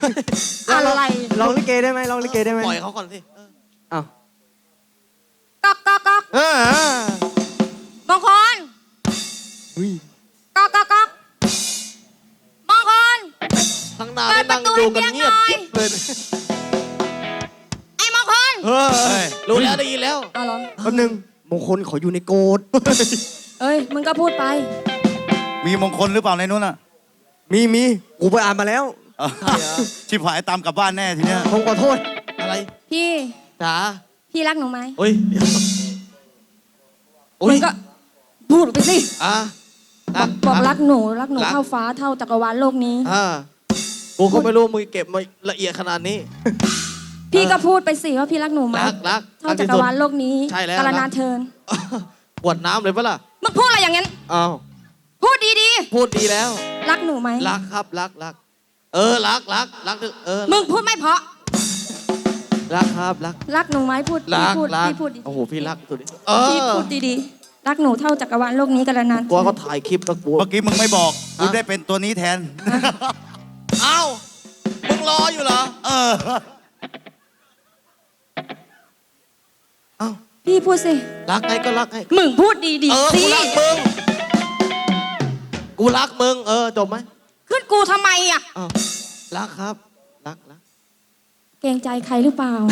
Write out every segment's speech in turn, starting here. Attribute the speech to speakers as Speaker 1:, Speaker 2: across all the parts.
Speaker 1: อะไร
Speaker 2: ลองลิเกได้ไหมลองลิเกได้ไหม
Speaker 3: ปล่อยเขาก่อนสิ
Speaker 2: อ้าว
Speaker 1: ก๊อกก๊อกก๊อกมงคลก๊อกก๊อกก๊อกมงคล
Speaker 3: ทั้งหน้าได้นั่งดูกันเงียบกิ๊บเลย
Speaker 1: ไอ้มงคล
Speaker 3: เฮ้ยรู้แล้วได้ยินแล้ว
Speaker 1: เอาเหรอ
Speaker 2: แป๊บนึงมงคลเขาอยู่ในโกด
Speaker 1: เอ้ยมึงก็พูดไป
Speaker 4: มีมงคลหรือเปล่าในนู้นอ่ะ
Speaker 2: มีกูไปอ่านมาแล้ว
Speaker 4: ชิบหายตามกลับบ้านแน่ทีเนี้ย
Speaker 2: ผมขอโทษ
Speaker 3: อะไร
Speaker 1: พี่
Speaker 3: จ๋า
Speaker 1: พี่รักหนูไหม
Speaker 3: โอ้ยโอ้
Speaker 1: มึ
Speaker 3: ย
Speaker 1: งก็พูดไปสิ
Speaker 3: อ่ะ
Speaker 1: บอกรักหนูเท่าฟ้าเท่าจักรวาลโลกนี้
Speaker 3: กูก็ไม่รู้มึงเก็บมาละเอียดขนาดนี้
Speaker 1: พี่ก็พูดไปสิว่าพี่รักหนูไหม
Speaker 3: รัก
Speaker 1: เท่าจักรวาลโลกนี้
Speaker 3: ใช่แล้ว
Speaker 1: กาลนานเทิน
Speaker 3: ปวดน้ำเลยปะล่ะ
Speaker 1: มึงพูดอะไรอย่างนั้น
Speaker 3: อ้าว
Speaker 1: พูดดี
Speaker 3: พูดดีแล้ว
Speaker 1: ๆรักหนูไหม
Speaker 3: รักครับรักรักรัก
Speaker 1: มึงพูดไม่เพราะ
Speaker 3: รักครับรัก
Speaker 1: รักหนูไหมพูด
Speaker 3: รัก
Speaker 1: พี่พูดดี
Speaker 3: โอ้โหพี่รักสุด
Speaker 1: พี่พูดดีๆรักหนูเท่าจักรวาลโลกนี้กาลนาน
Speaker 3: กลัวเขาถ่ายคลิปแล้วกลัว
Speaker 4: เมื่อกี้มึงไม่บอกกูได้เป็นตัวนี้แทน
Speaker 3: เอ้ามึงรออยู่เหรอ เอ้า
Speaker 1: พี่พูดสิ
Speaker 3: รักไงก็รักไง
Speaker 1: มึงพูดดี
Speaker 3: กู
Speaker 1: ๆสิ
Speaker 3: รักมึงกูรักมึงจบไหม
Speaker 1: ขึ้นกูทำไมอ่ะ
Speaker 3: อ้าวรักครับรัก
Speaker 1: เกรงใจใครหรือเปล่า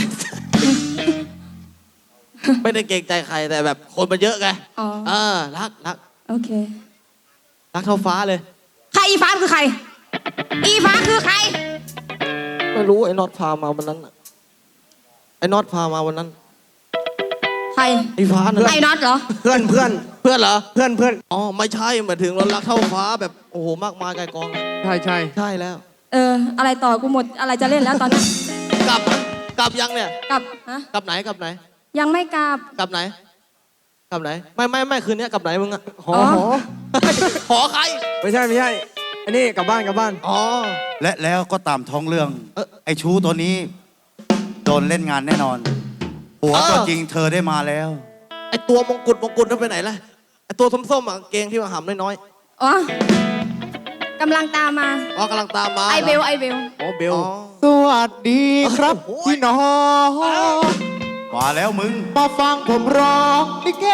Speaker 3: ไม่ได้เกรงใจใครแต่แบบคนมันเยอะไง
Speaker 1: อ๋อ
Speaker 3: รัก
Speaker 1: โอเค
Speaker 3: รักเท่าฟ้าเลย
Speaker 1: ใครอีฟ้าคือใคร อีฟ้าคือใคร
Speaker 3: ไม่รู้ไอ้น็อตพามาวันนั้นน่ะไอ้น็อตพามาวันนั้น
Speaker 1: ใคร
Speaker 3: ไอ้ฟ้านั่น
Speaker 1: ไอ้น็อตเหรอ
Speaker 2: เพื่อน
Speaker 3: เพื่อนเหรอ
Speaker 2: ๆ
Speaker 3: อ๋อไม่ใช่หมายถึงเรารักเท่าฟ้าแบบโอ้โหมากมายไกลกอง
Speaker 2: ใช่
Speaker 3: ใช่แล้ว
Speaker 1: อะไรต่อกูหมดอะไรจะเล่นแล้วตอนนี้
Speaker 3: กลับยังเนี่ย
Speaker 1: กลับฮะ
Speaker 3: กลับไหน
Speaker 1: ยังไม่กลับ
Speaker 3: กลับไหนไม่คืนนี้กลับไหนมึงอะ
Speaker 2: หอ
Speaker 1: อ๋อ
Speaker 3: ขอใคร
Speaker 2: ไม่ใช่อันนี้กลับบ้าน
Speaker 3: อ๋อ
Speaker 4: และแล้วก็ตามท้องเรื่อง ไอ้ชู้ตัวนี้ โดนเล่นงานแน่นอนหัวตัวจริงเธอได้มาแล้ว
Speaker 3: ไอตัวมงกุฎนั่นไปไหนล่ะไอตัวส้มๆอ่ะเกงที่ว่าหำน้อย
Speaker 1: อ๋อ กำลังตามมา
Speaker 3: ๆอ๋อกำลังตามมา
Speaker 1: ไอเบล
Speaker 2: อ๋อเบล
Speaker 3: อ๋อ
Speaker 5: สวัสดีครับ
Speaker 3: โอ้โห
Speaker 5: พี่น้อง
Speaker 4: มาแล้วมึง
Speaker 5: มาฟังผมร้องลิเก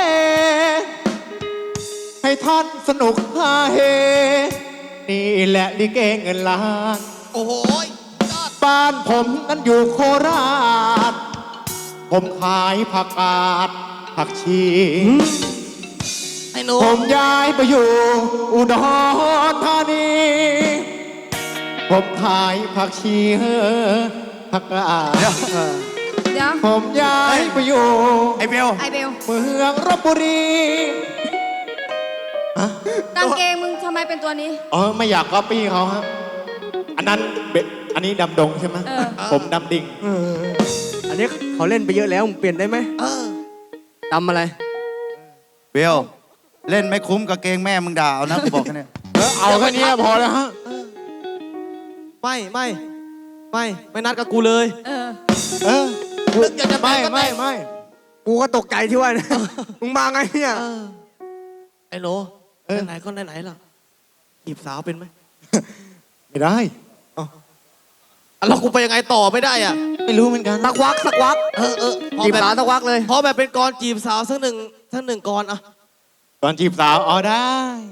Speaker 5: ให้ท่านสนุกฮาเฮ นี่แหละลิเกเงินล้าน
Speaker 3: โอ้โหยอด
Speaker 5: บ้านผมนั้นอยู่โคราช ผมขายผักกาดผักชี
Speaker 3: ไอ้หนู
Speaker 5: ผมย้ายไปอยู่อุดรธานี ผมขายผักชีผักกาด
Speaker 1: เดี๋ยว
Speaker 5: ผมย้ายไปอยู่
Speaker 4: ไอ้เบล
Speaker 1: ไอเบล
Speaker 5: เมืองรบบุรี
Speaker 1: กางเกงมึงทำไมเป็นตัวนี้
Speaker 5: อ๋อไม่อยากก๊อปปี้เขาฮะอันนั้นอันนี้ดำดงใช่ไหม
Speaker 1: เออ
Speaker 5: ผมดำดิ่ง
Speaker 2: อันนี้เขาเล่นไปเยอะแล้วมึงเปลี่ยนได้ไหมดำอะไร
Speaker 4: เบล เล่นไม่คุ้มกับเกงแม่มึงด่าเอานะกูบอกแค่นี้
Speaker 5: เอาแค่นี้พอแล้วฮะ
Speaker 3: ไม่นัดกับกูเลย
Speaker 1: เออ
Speaker 5: เออ
Speaker 3: นึกอยากจะแต่งก็แต่ง
Speaker 5: ไม่
Speaker 2: กูก็ตกใจที่ว่า มึงมาไงเนี่ย
Speaker 3: ไอ้หนูไหนก็ไหนล่ะจีบสาวเป็นไหม
Speaker 5: ไม่ได้
Speaker 3: แล้วกูไปยังไงต่อไม่ได้อ่ะ
Speaker 5: ไม่รู้เหมือนกัน
Speaker 2: สักวัก
Speaker 3: พอ
Speaker 2: จีบ
Speaker 3: แบบ
Speaker 2: สาวสักวักเลย
Speaker 3: พอแบบเป็นกรจีบสาวสักหนึ่งกรอ่ะ
Speaker 5: ตอนจีบสาวอ๋อได้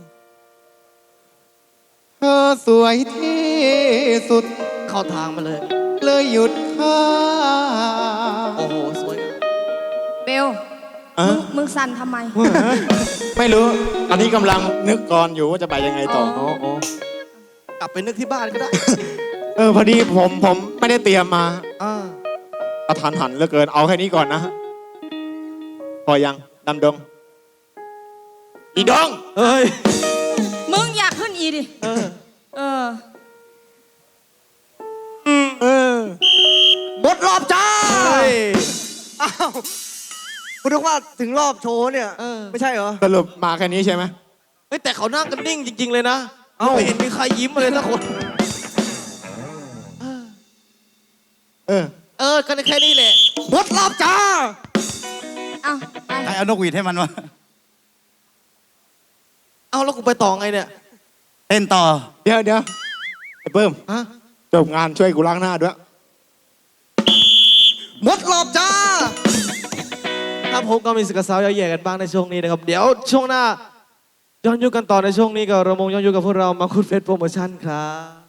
Speaker 5: เธอสวยที่สุด
Speaker 3: เข้าทางมาเลย
Speaker 5: เลยหยุดข้า
Speaker 3: โอ้โหสวย
Speaker 1: เบล มึงสั่นทำไม
Speaker 5: ไม่รู้ตอนนี้กำลังนึกก่อนอยู่ว่าจะไปยังไงต่อ
Speaker 1: อ๋อ
Speaker 3: กลับไปนึกที่บ้านก็ได้
Speaker 5: พอดีผมไม่ได้เตรียมมา
Speaker 3: อ่าก
Speaker 5: ระทันหันเหลือเกินเอาแค่นี้ก่อนนะ พอยังดำดง อีดง
Speaker 3: เฮ้ย
Speaker 1: มึงอยากขึ้นอีดิ
Speaker 3: เออ
Speaker 1: เออ
Speaker 2: หมดรอบจ้า
Speaker 3: เฮ้ย
Speaker 2: อ้าวกูนึกว่าถึงรอบโชว์เนี่ย ไม่ใช่เหรอ
Speaker 5: สรุปมาแค่นี้ใช่ไหม
Speaker 3: เฮ้ยแต่เขานั่งกันนิ่งจริง ๆ เลยนะ
Speaker 2: เอ้า
Speaker 3: ไม่เห็นมีใครยิ้มเลยสักคน ก็แค่นี้แหละ
Speaker 2: หมดรอบจ้า
Speaker 1: เอาไป
Speaker 4: ใครเอานกหวีดให้มันวะ
Speaker 3: เอาแล้วกูไปต่อไงเนี่ย
Speaker 4: เต้นต่อ
Speaker 5: เดี๋ยวไอ้เบิ้ม
Speaker 3: ฮะ
Speaker 5: จบงานช่วยกูล้างหน้าด้วย
Speaker 3: หมดรอบจ้าครับผมก็มีสึกสาวแย่ๆกันบ้างในช่วงนี้นะครับ เดี๋ยวช่วงหน้าย้อนยุคกันต่อในช่วงนี้กับระมงย้อนยุคกับพวกเรามาคุดเฟสโปรโมชั่นครับ